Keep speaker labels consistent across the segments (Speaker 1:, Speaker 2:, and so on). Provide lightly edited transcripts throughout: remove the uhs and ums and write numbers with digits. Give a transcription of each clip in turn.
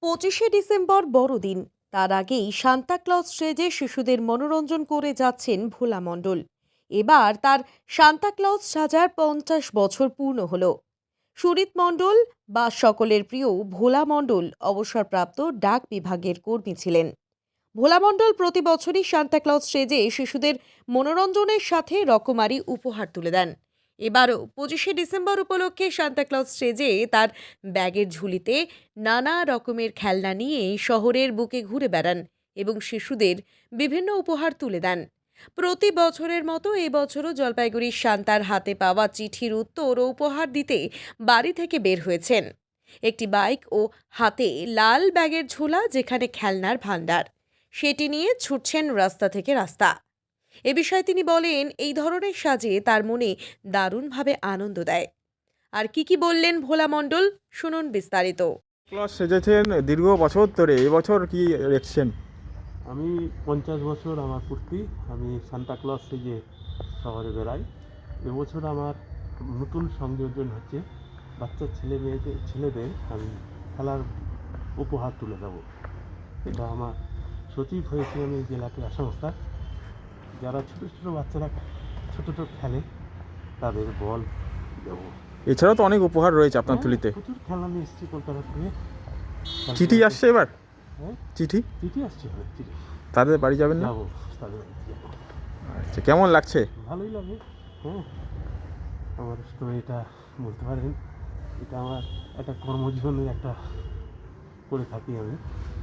Speaker 1: 25শে December বড়দিন। তার আগেই সান্তাক্লজ সেজে শিশুদের মনোরঞ্জন করে যাচ্ছেন ভোলা মণ্ডল। এবার তার সান্তাক্লজ সাজার 50 বছর পূর্ণ হলো। সুরিত মণ্ডল বা সকলের প্রিয় ভোলা মণ্ডল অবসরপ্রাপ্ত ডাক বিভাগের কর্মী ছিলেন। ভোলা মণ্ডল প্রতি বছরই সান্তাক্লজ সেজে শিশুদের মনোরঞ্জনের সাথে রকমারি উপহার তুলে দেন। এবারও 25শে ডিসেম্বর উপলক্ষে সান্তাক্লজ সেজে তার ব্যাগের ঝুলিতে নানা রকমের খেলনা নিয়ে শহরের বুকে ঘুরে বেড়ান এবং শিশুদের বিভিন্ন উপহার তুলে দেন। প্রতি বছরের মতো এবছরও জলপাইগুড়ির শান্তার হাতে পাওয়া চিঠির উত্তর ও উপহার দিতে বাড়ি থেকে বের হয়েছেন। একটি বাইক ও হাতে লাল ব্যাগের ঝোলা, যেখানে খেলনার ভাণ্ডার, সেটি নিয়ে ছুটছেন রাস্তা থেকে রাস্তা। এ বিষয়ে তিনি বলেন, এই ধরনের সাজে তার মনে দারুণভাবে আনন্দ দেয়। আর কি বললেন ভোলা মণ্ডল, শুনুন বিস্তারিত।
Speaker 2: ক্লজ সেজেছেন দীর্ঘ বছর ধরে, এবছর কি দেখছেন?
Speaker 3: আমি 50 বছর আমার পূর্তি। আমি সান্তাক্লজ সেজে শহরে বেড়াই। এবছর আমার নতুন সংযোজন হচ্ছে, বাচ্চা ছেলেদের আমি খেলার উপহার তুলে দেবো। এটা আমার সচিব হয়েছে আমি জেলা ক্রীড়া সংস্থার। যারা ছোটো ছোটো বাচ্চারা ছোটো খেলে তাদের বল দেবো।
Speaker 2: এছাড়াও তো অনেক উপহার রয়েছে আপনার তুলিতে।
Speaker 3: প্রচুর খেলা নিয়ে এসেছি কলকাতা থেকে।
Speaker 2: চিঠি আসছে এবার?
Speaker 3: হ্যাঁ, চিঠি আসছে। চিঠি
Speaker 2: তাদের বাড়ি যাবেন না?
Speaker 3: যাবো, তাদের বাড়িতে যাবো।
Speaker 2: আচ্ছা, কেমন লাগছে?
Speaker 3: ভালোই লাগে। হ্যাঁ, আমার স্টোরিটা বলতে পারেন, এটা আমার একটা কর্মজীবনের একটা করে থাকি আমি।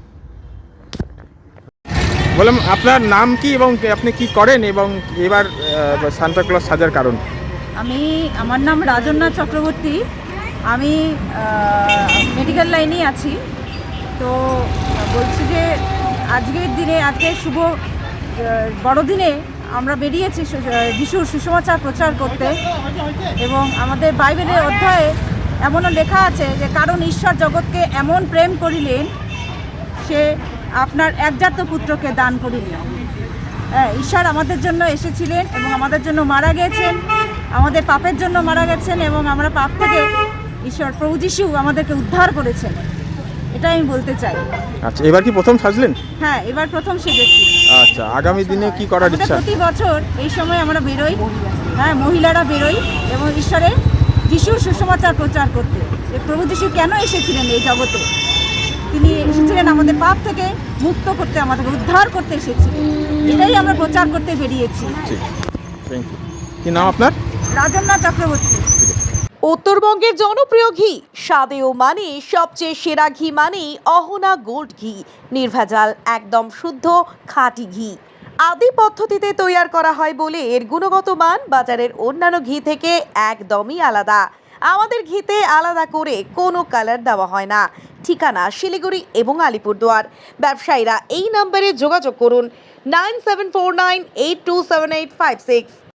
Speaker 2: বললাম, আপনার নাম কি এবং আপনি কি করেন, এবং এবার সান্তাক্লজ সাজার কারণ?
Speaker 4: আমার নাম রাজন্না চক্রবর্তী। আমি মেডিকেল লাইনেই আছি। তো বলছি যে আজকের দিনে, আজকের শুভ বড়দিনে আমরা বেরিয়েছি যিশুর সুসমাচার প্রচার করতে। এবং আমাদের বাইবেলের অধ্যায়ে এমনও লেখা আছে যে, কারণ ঈশ্বর জগৎকে এমন প্রেম করিলেন, সে আপনার একজাত পুত্রকে দান করিলেন। ঈশ্বর আমাদের জন্য এসেছিলেন এবং আমাদের জন্য মারা গেছেন, আমাদের পাপের জন্য মারা গেছেন, এবং আমরা পাপ থেকে ঈশ্বর প্রভু যিশু আমাদেরকে উদ্ধার করেছেন। এটাই আমি বলতে চাই।
Speaker 2: আচ্ছা, এবার কি প্রথম সাজলেন?
Speaker 4: হ্যাঁ, এবার প্রথম সেজেছি।
Speaker 2: আচ্ছা, আগামী দিনে কি করার ইচ্ছা?
Speaker 4: প্রতি বছর এই সময় আমরা বেরোই, হ্যাঁ, মহিলারা বেরোই এবং ঈশ্বরের যিশুর সুসমাচার প্রচার করতে, যে প্রভু যিশু কেন এসেছিলেন এই জগতে। তিনি এসেছিলেন আমাদের পাপ থেকে মুক্ত করতে, আমাদেরকে উদ্ধার করতে এসেছিলেন। এটাই আমরা প্রচার করতে বেরিয়েছি।
Speaker 2: কি নাম আপনার?
Speaker 4: রাজন্না চক্রবর্তী।
Speaker 1: উত্তরবঙ্গের জনপ্রিয় ঘি, স্বাদে ও মানে সবচেয়ে সেরা ঘি মানেই অহনা গোল্ড ঘি। নির্ভেজাল, একদম শুদ্ধ খাঁটি ঘি। আদি পদ্ধতিতে তৈয়ার করা হয় বলে এর গুণগত মান বাজারের অন্যান্য ঘি থেকে একদমই আলাদা। আমাদের ঘিতে আলাদা করে কোনো কালার দেওয়া হয় না। ঠিকানা শিলিগুড়ি এবং আলিপুরদুয়ার। ব্যবসায়ীরা এই নম্বরে যোগাযোগ করুন 9749827856।